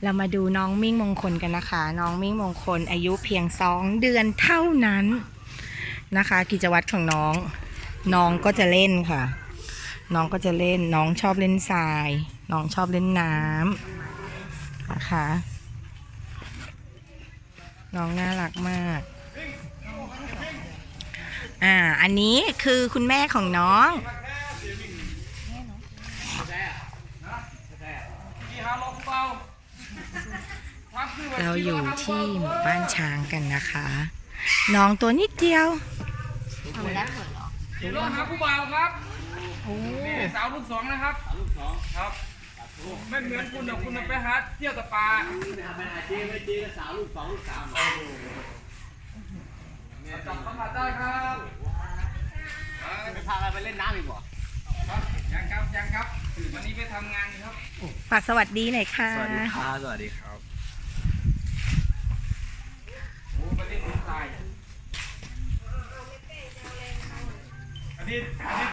เรามาดูน้องมิ่งมงคลกันนะคะ น้องมิ่งมงคลอายุเพียง2 เดือนเท่านั้นนะคะ กิจวัตรของน้องก็จะเล่นค่ะ น้องก็จะเล่นน้องชอบเล่นทรายน้องชอบเล่นน้ำนะคะน้องน่ารักมากอันนี้คือคุณแม่ของน้องเราอยู่ที่หมู่บ้านช้างกันนะคะน้องตัวนิดเดียวทำได้เหรอขี่รถหาผู้บ่าวครับนี่สาวลูก 2นะครับสาวลูก 2ครับไม่เหมือนคุณนะคุณไปหาเที่ยวกับปลาไม่อาชีพไม่จีสาวลูก 2 ลูก 3จับสัมผัสได้ครับไปพาไปเล่นน้ำอีกบ่ครับยังครับวันนี้ไปทำงานครับฝากสวัสดีหน่อยค่ะสวัสดีครับสวัสดีครับโอ้ไปเล่นทรายอันนี้